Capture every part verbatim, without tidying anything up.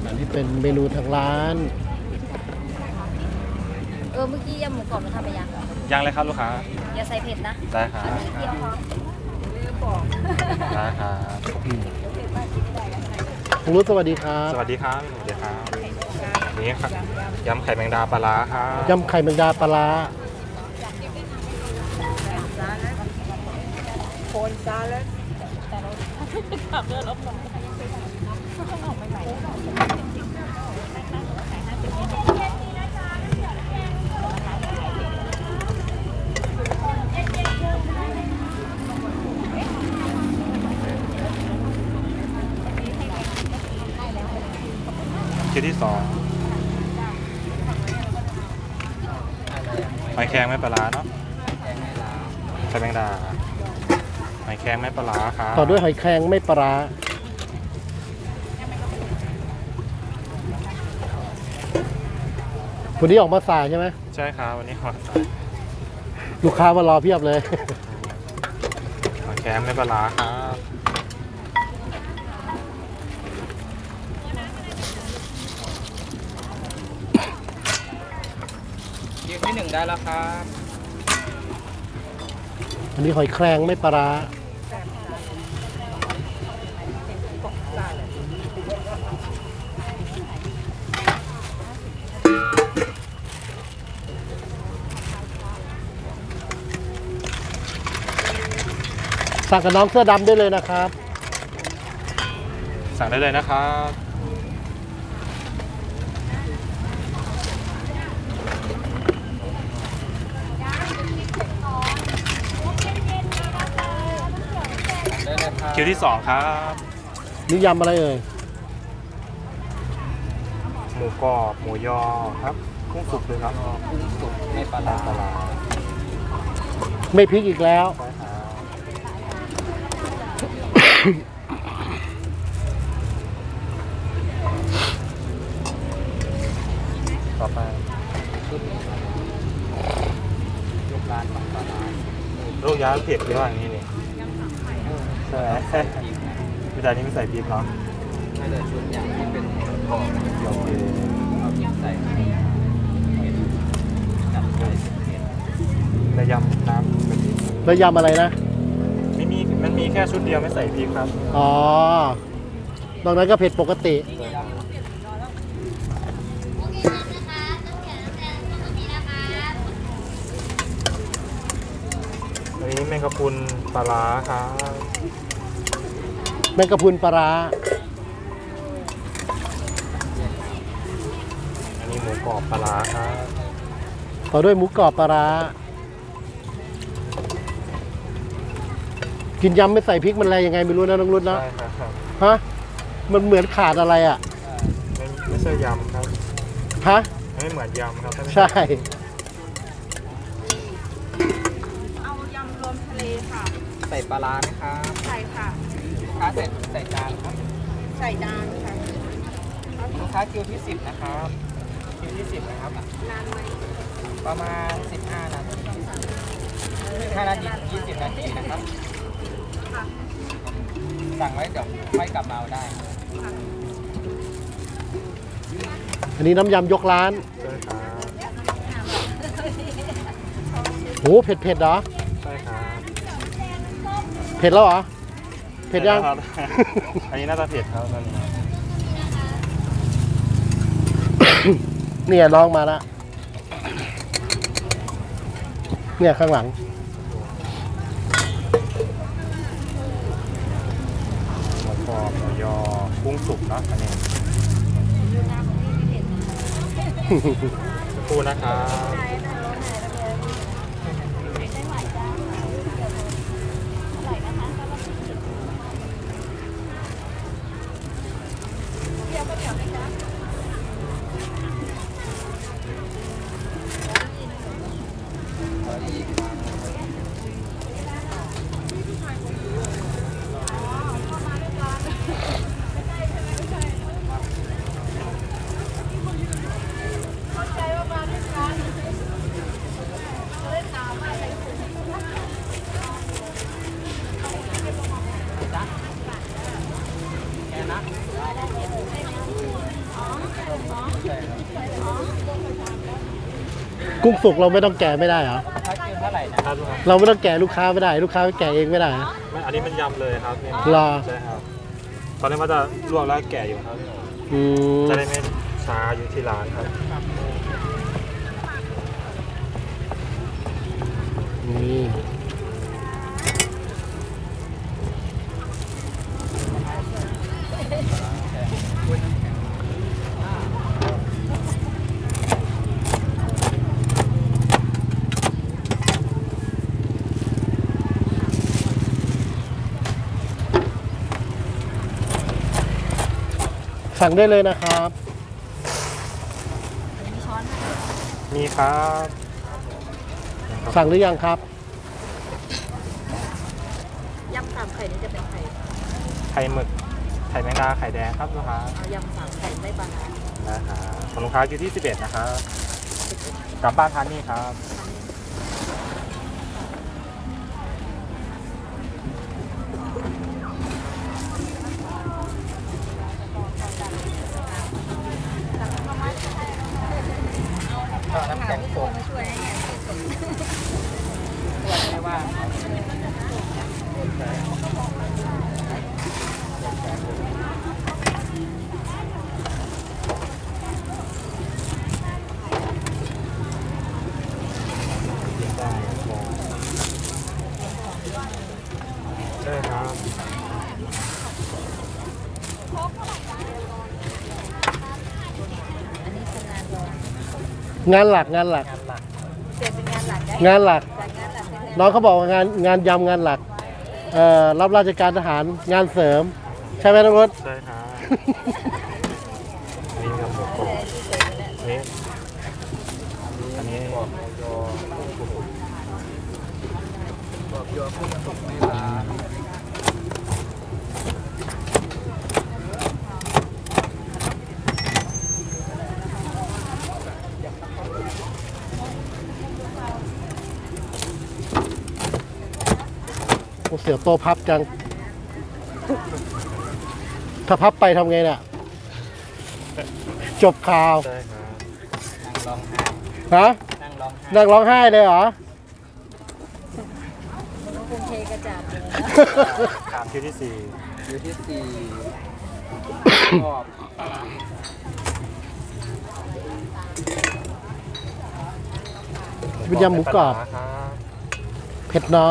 อันนี้เป็นเมนูทางร้านเออเมื่อกี้ยำหมูกรอบมันทำไปยังยังเลยครับลูกค้าอย่าใส่เผ็ดนะได้ครับอันนี้เดียวพอลืมบอกได้ครับคุณรุ้สวัสดีครับสวัสดีครับสวัสดีครับนี่ครับยำไข่แมงดาปลาร้าครับยำไข่แมงดาปลาร้าโคนซาแล้วขับเรือลบลงคิวที่สองหอยแครงไม่ปลาร้าเนาะไข่แมงดาหอยแครงไม่ปลาร้าครับต่อด้วยหอยแครงไม่ปลาร้าวันนี้ออกมาสายใช่ไหมใช่ครับวันนี้หอยลูกค้ามารอเพียบเลยหอยแครงไม่ปลาร้าครับยืนที่หนึ่งได้แล้วครับอันนี้หอยแครงไม่ปลาร้าสั่งกับน้องเสื้อดำได้เลยนะครับสั่งได้เลยนะครับได้เลยครับคิวที่สองครับนี่ยำอะไรเอ่ยหมูกรอบหมูยอครับกุ้งสุกเลยครับกุ้งสุกไม่ปลาร้าปลาร้าไม่พริกอีกแล้วใช่ครับต่อไปลูกร้านของปลาร้าลูกย้ายเผ็ดเยอะอย่างนี้นี่ใช่ไหมวิธีนี้ไม่ใส่พริกเนาะไม่เลยชุดอย่างที่เป็นกรอบโอเคเอาพริกใส่จับใส่เผ็ดระยำน้ำกะทิแล้วยำอะไรนะไม่มีมันมีแค่ชุดเดียวไม่ใส่พริกครับอ๋อ นอกนั้นก็เผ็ดปกติอันนี้แมงกะพรุนปลาร้าครับแมงกะพรุนปลาร้าอันนี้หมูกรอบปลาร้าครับต่อด้วยหมูกรอบปลาร้า กินยำไม่ใส่พริกมันอะไรยังไงไม่รู้นะน้องรุ่นนะใช่ครับฮะ มันเหมือนขาดอะไรอ่ะไม่ไม่ใช่ยำครับฮะไม่เหมือนยำครับใช่เอายำรวมทะเลค่ะใส่ปลาร้าไหมครับใส่ค่ะลูกค้าใส่ใส่จานครับใส่จานค่ะลูกค้าคิวที่สิบนะครับคิวที่สิบนะครับนานไหมประมาณสิบห้านาทีสิบห้านาทีถึงยี่สิบนาทีนะครับ สั่งไว้เดี๋ยวค่อยกลับมาเอาได้อันนี้น้ำยำยกร้านใช่ครับโห เผ็ดเผ็ดเหรอใช่ครับเผ็ดแล้วเหรอ เผ็ดยังครับ อันนี้น่าจะเผ็ดครับตอนนี้เนี่ยน้องมาแล้ว เนี่ยข้างหลังหมูกรอบหมูยอกุ้งสุกเนาะอันนี้คู่นะครับแค่นะเใช่ครับกุ้งสุกเราไม่ต้องแกะไม่ได้เหรอถ้าคิวเท่าไหร่นะครับลูกค้าเราไม่ต้องแกะลูกค้าไม่ได้ ลูกค้าแกะเองไม่ได้เหรอไม่อันนี้มันยำเลยครับนี่รอใช่ครับตอนนี้มันจะลวกแล้วแกะอยู่ครับอืมจะได้ไม่ช้าอยู่ที่ร้านครับนี่สั่งได้เลยนะครับมีช้อนให้มีครับสั่งหรือยังครับยำสามไข่นี่จะเป็นไข่ไข่หมึกไข่แมงดาไข่แดงครับลูกค้าเอายำสามไข่ไม่ปลาร้านะครับของลูกค้าอยู่ที่สิบเอ็ดนะครับกลับบ้านทานนี่ครับก็น้ำแข็งสดช่วยให้ส่วนไม่ว่างได้ครับอันนี้คืองานรองงานหลักงานหลักงานหลักเปลี่ยนเป็นงานหลักได้งานหลักจากงานหลักเป็นงานน้องเขาบอกว่างานงานยำงานหลัก เอ่อรับราชการทหารงานเสริม ใช่ไหมน้องรถใช่ครับนี่กับหมูกรอบนี่อันนี้บอกยอบอกยอกุ้งสุกในร้านโอ้เสียวโตพับจัง ถ้าพับไปทำไงเนี่ยจบข่าวใช่ครับนั่งร้องไห้ฮะนั่งร้องไห้นั่งร้องไห้เลยเหรอคุณเทกระจาดเลยตามคิวที่สี่อยู่ที่สี่กรอบเป็นยำหมูกรอบครับเผ็ดน้อย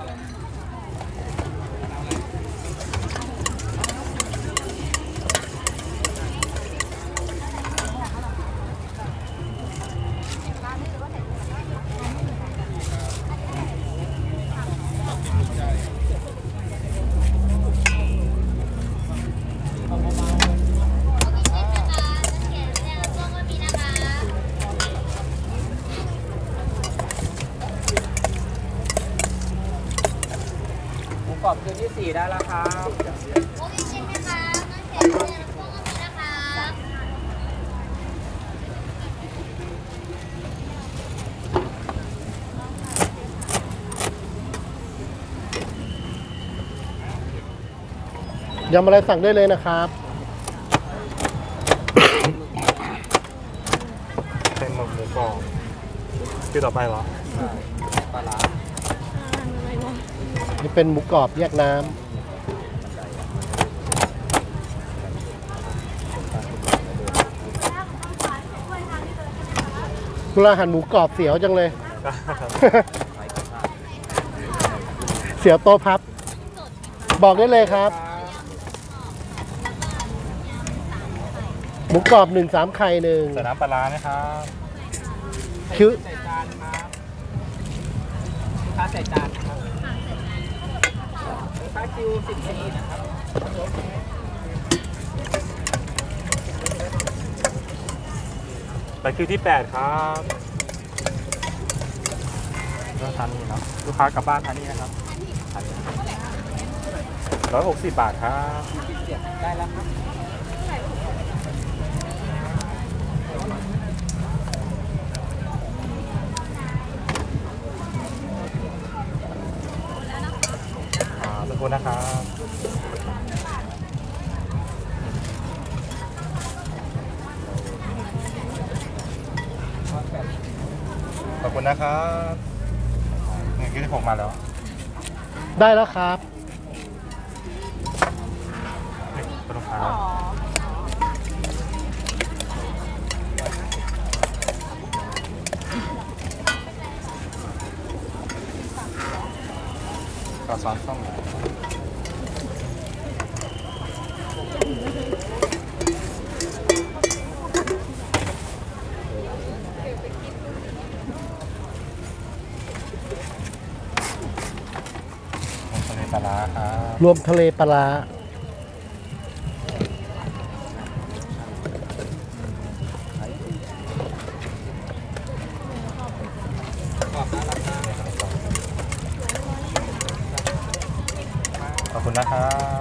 หมูกรอบคิวที่สี่ได้แล้วครับยำอะไรสั่งได้เลยนะครับเป็นหมึกหมูกรอบคิวต่อไปเหรอปลาร้านี่เป็นหมูกรอบแยกน้ำเวลาหั่นหมูกรอบเสียวจังเลย เสียวโตพับ บอกได้เลยครับ หมูกรอบหนึ่งสามไข่หนึ่งใส่น้ำปลาร้าไหมครับคิ้วใส่จานครับลูกค้าใส่จานครับลูกค้าคิวสิบสี่นะครับไปคิวที่แปดครับเลือกทานนี่เนาะลูกค้ากลับบ้านทานนี่นะครับร้อยหกสิบบาทครับได้แล้วครับอ่าสักครู่นะครับคุณนะครับหนึ่งที่หกมาแล้วได้แล้วครับนี่คุณลูกค้าอ๋อก็ซ้อนส้มทะเลปลาร้าครับรวมทะเลปลาร้าขอบคุณนะครับ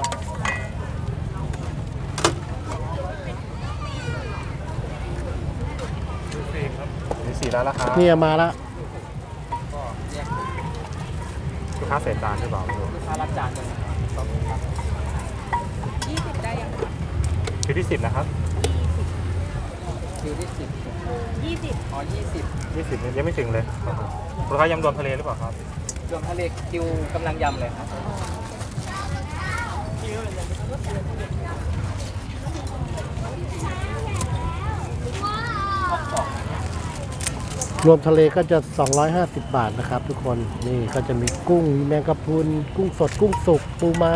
นี่สี่แล้วละครับเนี่ยมาแล้วก็แยกลูกค้าเศษจานหรือเปล่าไม่รู้ลูกค้ารับจานเลยนะครับยี่สิบได้ยังคิวที่สิบนะครับคิวที่สิบยี่สิบอ๋อยี่สิบยี่สิบยังไม่ถึงเลยลูกค้ายำรวมทะเลหรือเปล่าครับรวมทะเลคิวกำลังยำเลยครับรวมทะเลก็จะ สองร้อยห้าสิบ บาทนะครับทุกคนนี่ก็จะมีกุ้งมีแมงกะพรุนกุ้งสดกุ้งสุกปูม้า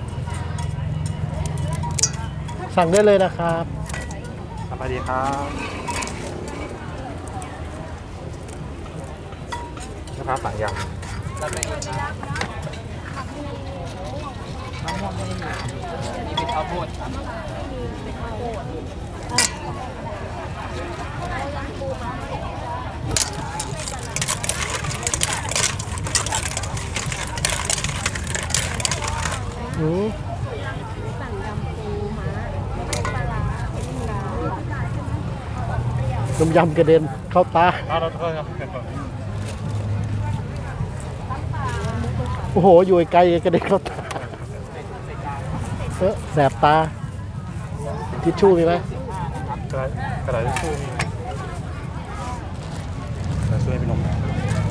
สั่งได้เลยนะครับสวัสดีครับลูกค้าสั่งยรับได้เลยครับมะม่วงไม่มีนี่เป็นข้าวโพดครับอืมสั่งยำปูม้าไม่ปลาร้าไม่ปลาร้าต้มยำกระเด็นเข้าตาำอ้าวเราโทษครับโอ้โห อยู่ไกลกระเด็นเข้าตาเออแสบตา ทิชชู่มีไหมกระดาษกระดาษทิชชู่มีกระดาษช่วยเป็นนมแมว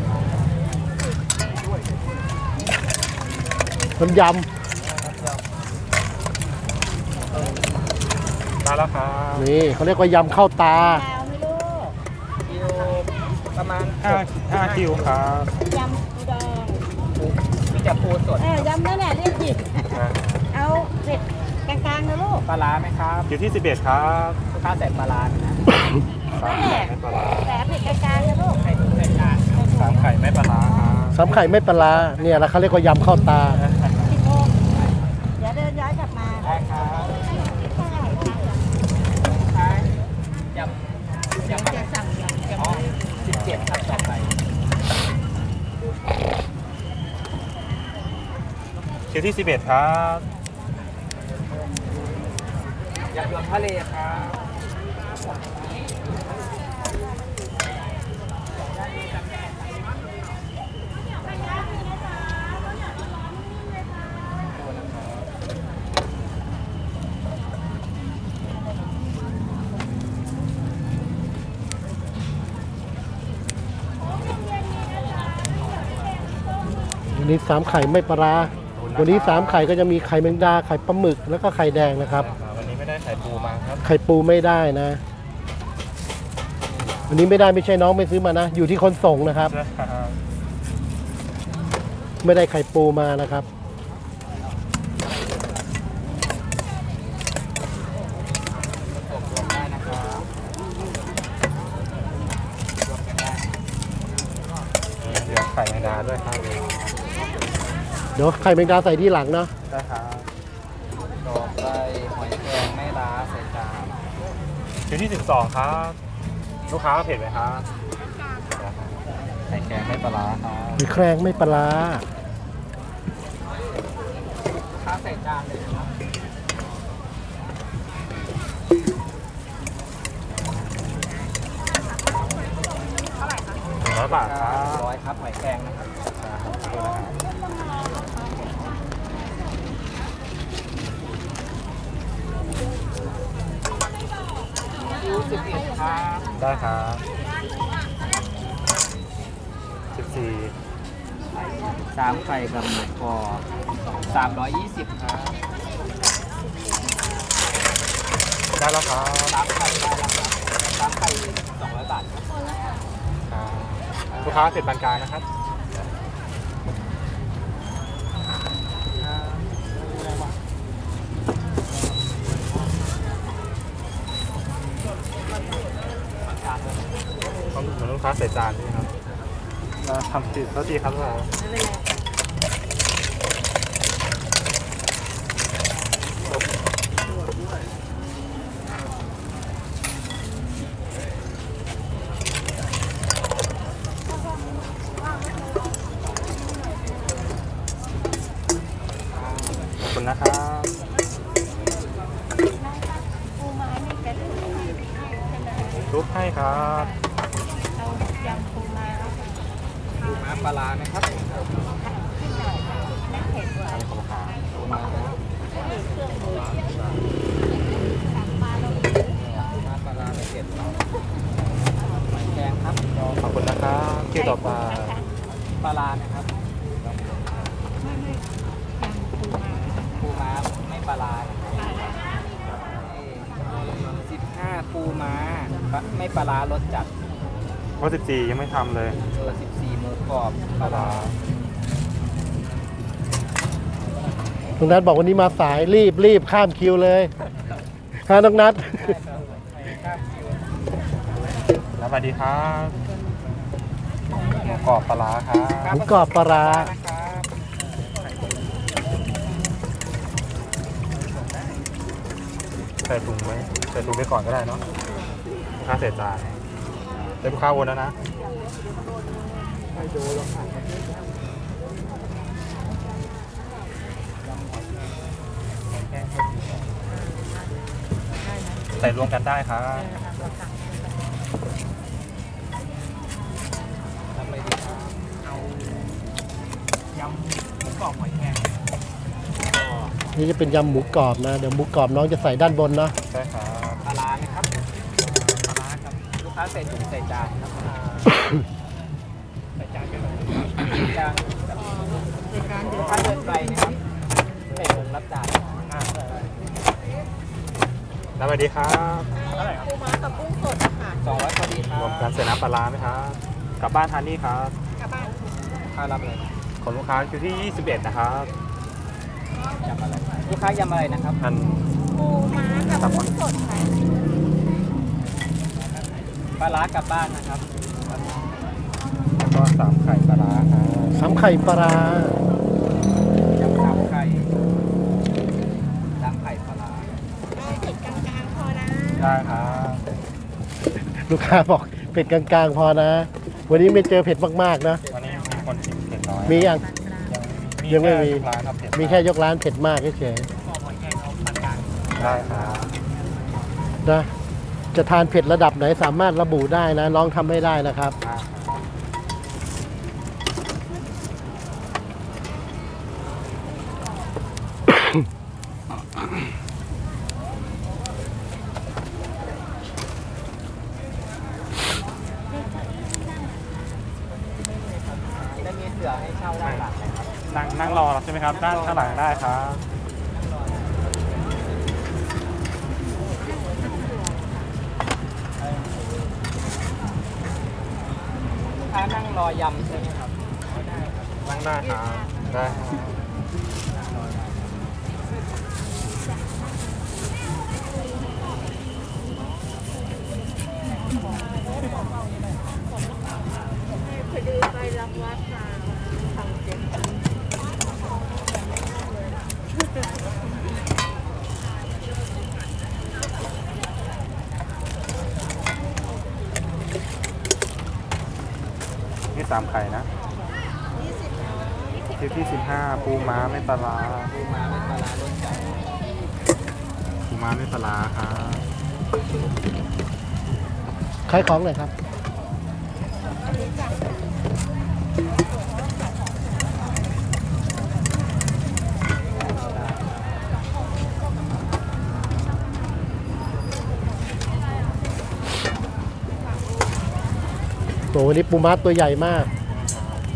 ต้มยมาแล้วครับำนี่เขาเรียกว่ายำเข้าตาแล้วไม่รู้คิวประมาณห้าห้าคิวครับยำปูดองมีแต่ปูสดเออยำนั่นแหละเรียกผิดอ่าเอาเผ็ดกลางๆนะลูกปลาร้าไหมครับคิวที่สิบเอ็ดครับลูกค้าใส่ปลาร้าไหมนะสามไข่ไม่ปลาร้าแต่เผ็ดกลางๆนะลูกใส่ถุงใส่จานครับสามไข่ไม่ปลาร้าครับสามไข่ไม่ปลาร้าเนี่ยแล้วเขาเรียกว่ายำเข้าตาสิบโมงเดี๋ยวเดินย้อนกลับมาได้ครับใช่ยำยำอะไรจะสั่งยำอ๋อสิบเจ็ดครับต่อไปคิวที่สิบเอ็ดครับยำรวมทะเลครับวันนี้สามไข่ไม่ปลาร้าวันนี้สามไข่ก็จะมีไข่แมงดาไข่ปลาหมึกแล้วก็ไข่แดงนะครับวันนี้ไม่ได้ไข่ปูมาครับไข่ปูไม่ได้นะ วันนี้ไม่ได้ไม่ใช่น้องไม่ซื้อมานะ อยู่ที่คนส่งนะครับใช่ครับไม่ได้ไข่ปูมานะครับส่งรวมได้นะครับรวมกันได้เดี๋ยวไข่แมงดาด้วยครับเดี๋ยวไข่แมงดาใส่ที่หลังเนาะได้ครับต่อไปหอยแครงไม่ล้าใส่จานคิวที่สิบสองครับ ลูกค้าเผ็ดไหมครับไข่แกงไม่ปลาร้าครับหรือแครงไม่ปลาร้าค้าใส่จานเลยนะครับหนึ่งร้อยบาทครับร้อยครับหอยแครงนะครับคิวสิบเอ็ดครับได้ครับสี่สามไข่กับหมูกรอบสามร้อยยี่สิบครับได้แล้วครับสามไข่ได้แล้วครับสามไข่สองร้อยบาทครับครับลูกค้าเสร็จปานกลางนะครับต้องเหมือนลูกค้าใส่จานนี่ครับเราทำผิดเท่าทีครับเราไม่เป็นไรขอบคุณนะครับปูม้านี่แกถูกให้ใช่ไหมทุบให้ครับเอายำปูม้าปูม้าปลาร้าไหมครับขึ้นหน่อยไม่เผ็ดหวานขอบคุณครับปูม้ามีเครื่องมือสั่งมาเราปูม้าปลาร้าไม่เผ็ดหอยแครงครับขอบคุณนะครับที่ต่อไปปลาร้านะครับไม่ไม่ยำปูม้าปูม้าไม่ปลาร้าสิบห้าปูม้าไม่ปลาร้ารสจัดเพราะสิบสี่ยังไม่ทำเลยเออสิบสี่หมูกรอบปลาร้าน้องนัทบอกวันนี้มาสายรีบรีบข้ามคิวเลยฮะน้องนัทแล้วสวัสดีครับหมูกรอบปลาร้าครับหมูกรอบปลาร้าใส่ถุงไว้ใส่ถุงไปก่อนก็ได้เนาะลูกค้าเสร็จจานเดี๋ยวลูกค้าวนแล้วนะใส่รวมกันได้ครับทำอะไรดีครับเอายำหมูกรอบหอยแครงนี่จะเป็นยำหมูกรอบนะ เดี๋ยวหมูกรอบน้องจะใส่ด้านบนเนาะใช่ครับปลาร้าไหมครับปลาร้าครับลูกค้าใส่ถุงใส่จานครับใส่จานกันเลยจานลูกค้าเดินไปนะครับใส่ถุงรับจานอ่าแล้วสวัสดีครับปูม้ากับกุ้งสดค่ะสองร้อยพอดีครับรวมกันใส่น้ำปลาร้าไหมครับกลับบ้านทานนี่ครับกลับบ้านลูกค้ารับเลยของลูกค้าคิวที่ยี่สิบเอ็ดนะครับยำอะไรลูกค้ายำอะไรนะครับอันปูม้ากับกุ้งสดค่ะปลาร้ากลับบ้านนะครับแล้วก็สามไข่ปลาร้าครับสามไข่ปลาร้ายำสามไข่สามไข่ปลาร้าเอาเผ็ดกลางๆพอนะได้ครับลูกค้าบอกเผ็ดกลางๆพอนะ วันนี้ไม่เจอเผ็ดมากๆนะวันนี้มีคนชิมเผ็ดน้อยมียัง ยังไม่มีแค่ร้านครับเผ็ดมีแค่ยกร้านเผ็ดมากเฉยขอหอยแครงเอาปานกลางได้ครับๆนะจะทานเผ็ดระดับไหนสามารถระบุได้นะน้องทำไม่ได้นะครับได้ครับได้มีเสือให้เช่าด้านหลังนะครับนั่งนั่งรอใช่ไหมครับ ด้านข้างหลังได้ครับลูกค้านั่งรอยำใช่ไหมครับนั่งได้ครับ ได้ครับพอดีไปรับวัดมาทำเจ็บนี่สามไข่นะคิวที่สิบห้าปูม้าไม่ปลาร้าปูม้าเป็นปลาร้ารสจัดปูม้าไม่ปลาร้าครับขายของหน่อยครับ โหวันนี้ปูม้าตัวใหญ่มาก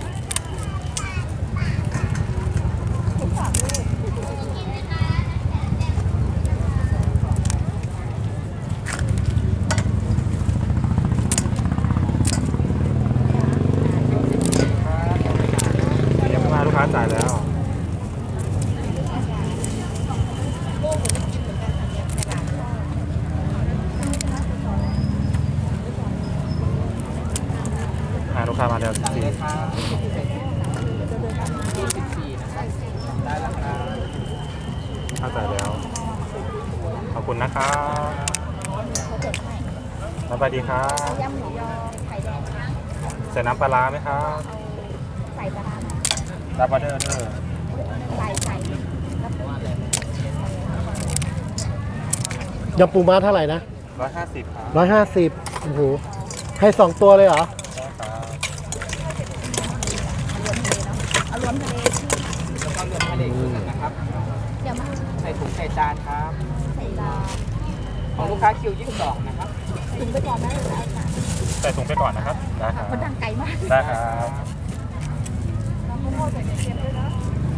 ามาแล้วสั่งสี่เลยครับยี่สิบสี่นะครับได้แล้วครับเข้าใจแล้ว ขอบคุณนะครับสวัสดีครับยำหมูยอไข่แดงใส่น้ำปลาร้าไหมครับใส่ปลาร้ารับออเดอร์เด้อใส่ใส่ยำปูม้าเท่าไหร่นะร้อยห้าสิบครับร้อยห้าสิบโอ้โหให้สองตัวเลยเหรอได้ครับเอารวมทะเลที่แล้วก็เลือดทะเลครึ่งหนึ่งนะครับเดี๋ยวมาใส่ถุงใส่จานครับใส่ลาของลูกค้าคิวยี่สิบสองนะครับถึงไปก่อนได้เลยค่ะใส่ถุงไปก่อนนะครับ ได้ครับมันดังไกลมากได้ครับน้ำมะม่วงใส่เค็มด้วยนะ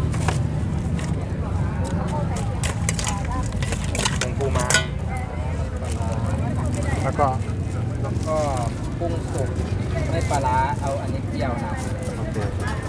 มะม่วงใส่เค็มได้ถุงปูม้า แล้วก็แล้วก็กุ้งสุกไม่ปลาร้าเอาอันนี้เจียวนะโอเค